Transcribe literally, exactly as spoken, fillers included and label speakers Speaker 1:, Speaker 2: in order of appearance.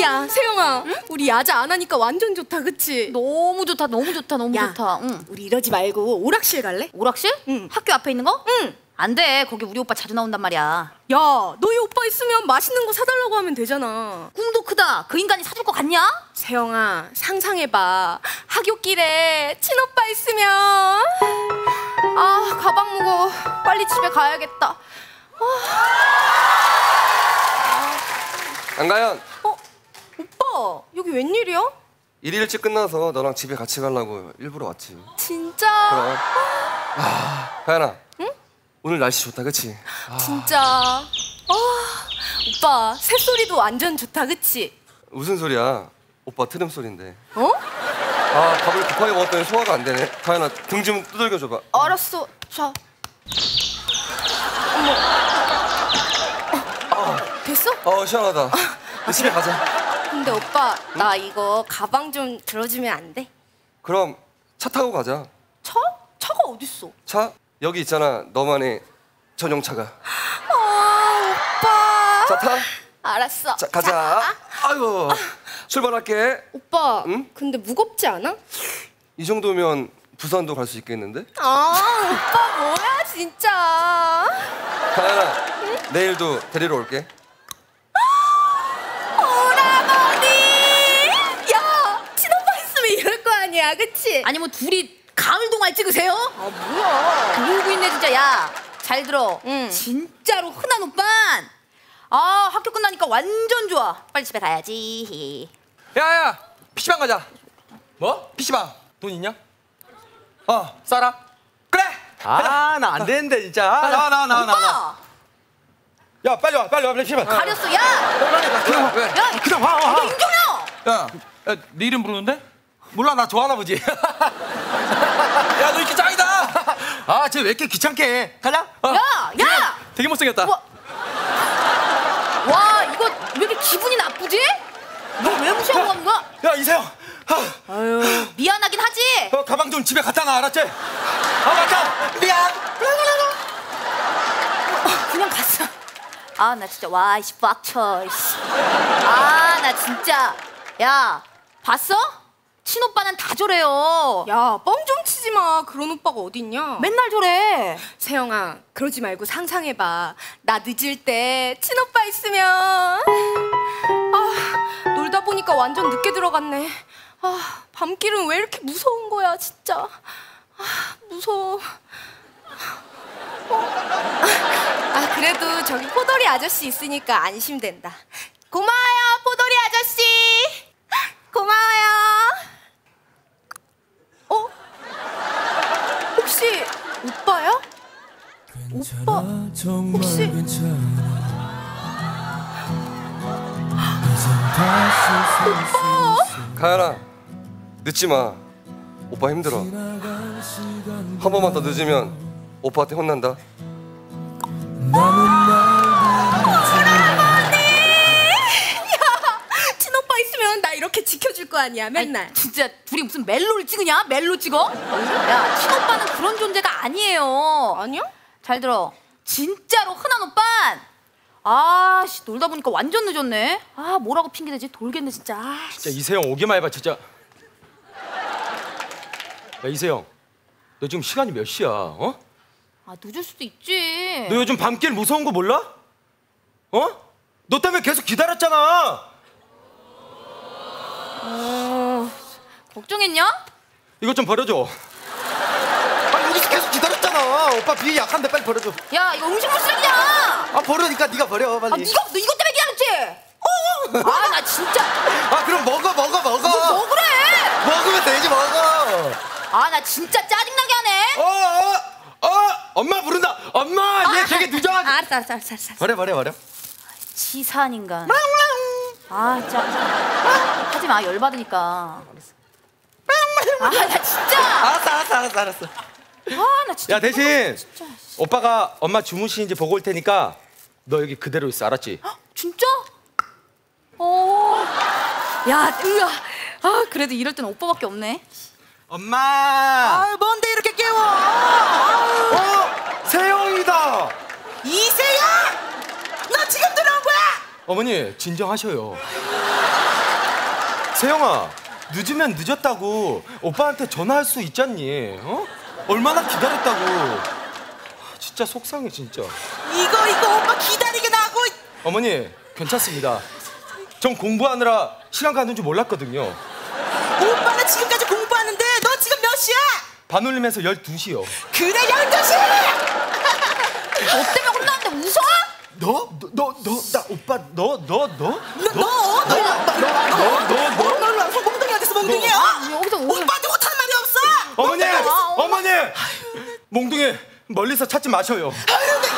Speaker 1: 야, 세영아, 응? 우리 야자 안 하니까 완전 좋다, 그치?
Speaker 2: 너무 좋다, 너무 좋다, 너무
Speaker 1: 야,
Speaker 2: 좋다. 응.
Speaker 1: 우리 이러지 말고 오락실 갈래?
Speaker 2: 오락실?
Speaker 1: 응.
Speaker 2: 학교 앞에 있는 거?
Speaker 1: 응.
Speaker 2: 안 돼, 거기 우리 오빠 자주 나온단 말이야.
Speaker 1: 야, 너희 오빠 있으면 맛있는 거 사달라고 하면 되잖아.
Speaker 2: 꿈도 크다. 그 인간이 사줄 거 같냐?
Speaker 1: 세영아, 상상해봐. 학교길에 친오빠 있으면.
Speaker 2: 아, 가방 무거워. 빨리 집에 가야겠다. 아.
Speaker 3: 안가연.
Speaker 1: 어? 오빠, 여기 웬일이야?
Speaker 3: 일 일찍 끝나서 너랑 집에 같이 가려고 일부러 왔지.
Speaker 1: 진짜?
Speaker 3: 그럼. 아, 가연아. 응? 오늘 날씨 좋다, 그치?
Speaker 1: 아. 진짜. 아, 오빠, 새소리도 완전 좋다, 그치?
Speaker 3: 무슨 소리야? 오빠 트름 소린데.
Speaker 1: 어?
Speaker 3: 아, 밥을 급하게 먹었더니 소화가 안 되네. 가연아, 등 좀 두들겨줘봐.
Speaker 1: 알았어. 자. 어머. 어, 됐어?
Speaker 3: 어, 시원하다. 아, 집에 가자.
Speaker 1: 근데 오빠, 응? 나 이거 가방 좀 들어주면 안 돼?
Speaker 3: 그럼 차 타고 가자.
Speaker 1: 차? 차가 어딨어?
Speaker 3: 차? 여기 있잖아, 너만의 전용차가.
Speaker 1: 아, 오빠.
Speaker 3: 자, 타.
Speaker 1: 알았어.
Speaker 3: 자, 가자. 자. 아이고, 아. 출발할게.
Speaker 1: 오빠,
Speaker 3: 응?
Speaker 1: 근데 무겁지 않아?
Speaker 3: 이 정도면 부산도 갈 수 있겠는데?
Speaker 1: 아, 오빠 뭐야, 진짜.
Speaker 3: 가연아, 응? 내일도 데리러 올게.
Speaker 1: 이럴 거 아니야, 그치?
Speaker 2: 아니 뭐 둘이 가을 동안 찍으세요?
Speaker 1: 아, 뭐야?
Speaker 2: 놀고 있네 진짜. 야, 잘 들어.
Speaker 1: 응.
Speaker 2: 진짜로 흔한 오빤. 아, 학교 끝나니까 완전 좋아. 빨리 집에 가야지.
Speaker 4: 야야, 피시방 가자. 뭐? 피시방 돈 있냐? 어, 싸라. 그래. 아, 나 안 되는데 진짜. 아, 나와 나와 나와 나와. 야, 빨리 와, 빨리 와, 빨리 피시방.
Speaker 2: 가렸어, 야.
Speaker 4: 그냥 왜?
Speaker 2: 야,
Speaker 4: 그냥 와, 와.
Speaker 2: 너 임종혁.
Speaker 4: 야, 야, 네 이름 부르는데? 몰라, 나 좋아하나 보지. 야, 너 이렇게 짱이다. 아, 쟤 왜 이렇게 귀찮게 해? 가자. 어.
Speaker 2: 야, 야.
Speaker 4: 되게 못생겼다.
Speaker 2: 와, 와, 이거 왜 이렇게 기분이 나쁘지? 너 왜 무시하고 가는 거야?
Speaker 4: 야, 이세영.
Speaker 2: 아유, 미안하긴 하지.
Speaker 4: 어, 가방 좀 집에 갖다 놔, 알았지? 아, 맞다. 미안.
Speaker 2: 어, 그냥 갔어. 아, 나 진짜 와, 이씨 빡쳐. 이씨. 아, 나 진짜. 야, 봤어? 친오빠는 다 저래요.
Speaker 1: 야, 뻥 좀 치지 마. 그런 오빠가 어딨냐?
Speaker 2: 맨날 저래.
Speaker 1: 세영아, 그러지 말고 상상해봐. 나 늦을 때 친오빠 있으면. 아, 놀다 보니까 완전 늦게 들어갔네. 아, 밤길은 왜 이렇게 무서운 거야, 진짜. 아, 무서워. 어? 아, 그래도 저기 포도리 아저씨 있으니까 안심된다. 고마워요, 포도리 아저씨. 고마워요. 어? 혹시 오빠야? 오빠 혹시? 오빠!
Speaker 3: 가연아, 늦지 마. 오빠 힘들어. 한 번만 더 늦으면 오빠한테 혼난다.
Speaker 1: 이렇게 지켜줄 거 아니야, 맨날.
Speaker 2: 아니, 진짜 둘이 무슨 멜로를 찍으냐? 멜로 찍어? 야, 친오빠는 그런 존재가 아니에요.
Speaker 1: 아니야?
Speaker 2: 잘 들어. 진짜로 흔한 오빤. 아, 씨, 놀다 보니까 완전 늦었네. 아, 뭐라고 핑계대지? 돌겠네 진짜. 아,
Speaker 4: 진짜 이세영 오기만 해봐, 진짜. 야, 이세영, 너 지금 시간이 몇 시야? 어?
Speaker 2: 아, 늦을 수도 있지.
Speaker 4: 너 요즘 밤길 무서운 거 몰라? 어? 너 때문에 계속 기다렸잖아.
Speaker 2: 어... 걱정했냐?
Speaker 4: 이것 좀 버려줘. 아, 여기서 계속 기다렸잖아. 오빠 비위 약한데 빨리 버려줘.
Speaker 2: 야, 이거 음식물 쓰레기야.
Speaker 4: 아, 버려니까 네가 버려, 빨리.
Speaker 2: 아, 네가 너 이것 때문에 기다렸지? 어. 아, 나 진짜.
Speaker 4: 아, 그럼 먹어, 먹어, 먹어.
Speaker 2: 너 먹으래.
Speaker 4: 먹으면 되지, 먹어.
Speaker 2: 아, 나 진짜 짜증나게 하네.
Speaker 4: 어, 어, 어, 엄마 부른다. 엄마,
Speaker 2: 아,
Speaker 4: 얘 되게 늦어.
Speaker 2: 아, 알았어, 알았어, 알았어, 알았어.
Speaker 4: 버려, 버려, 버려.
Speaker 2: 치사한 인간. 아, 진짜. 하지 마, 열받으니까. 아, 나 진짜.
Speaker 4: 알았어, 알았어, 알았어, 알았어.
Speaker 2: 아, 나 진짜.
Speaker 4: 야, 대신
Speaker 2: 진짜.
Speaker 4: 오빠가 엄마 주무시는지 보고 올 테니까 너 여기 그대로 있어, 알았지?
Speaker 2: 헉, 진짜? 어. 야, 으아. 아, 그래도 이럴 땐 오빠밖에 없네.
Speaker 4: 엄마.
Speaker 5: 아, 뭔데 이렇게 깨워? 아유.
Speaker 4: 어, 세영이다.
Speaker 5: 이세영? 너 지금 들어온 거야?
Speaker 4: 어머니, 진정하셔요. 세영아, 늦으면 늦었다고 오빠한테 전화할 수 있잖니. 어? 얼마나 기다렸다고. 진짜 속상해 진짜.
Speaker 5: 이거 이거 오빠 기다리게 나고.
Speaker 4: 어머니 괜찮습니다. 전 공부하느라 시간 가는 줄 몰랐거든요.
Speaker 5: 오빠는 지금까지 공부하는데 너 지금 몇 시야?
Speaker 4: 반올림해서 열두 시요.
Speaker 5: 그래 열두 시.
Speaker 2: 너 때문에 혼나는데 웃어?
Speaker 4: 너? 너? 너? 나 오빠 너? 너? 너?
Speaker 5: 너너너너너너너 와서 몽둥이가 됐어 몽둥이야.
Speaker 2: 여기서 오늘
Speaker 5: 오빠한테 못하는 말이 없어.
Speaker 4: 어머니!
Speaker 2: 아,
Speaker 4: 어머니! 몽둥이 멀리서 찾지 마셔요.
Speaker 5: 아유, 내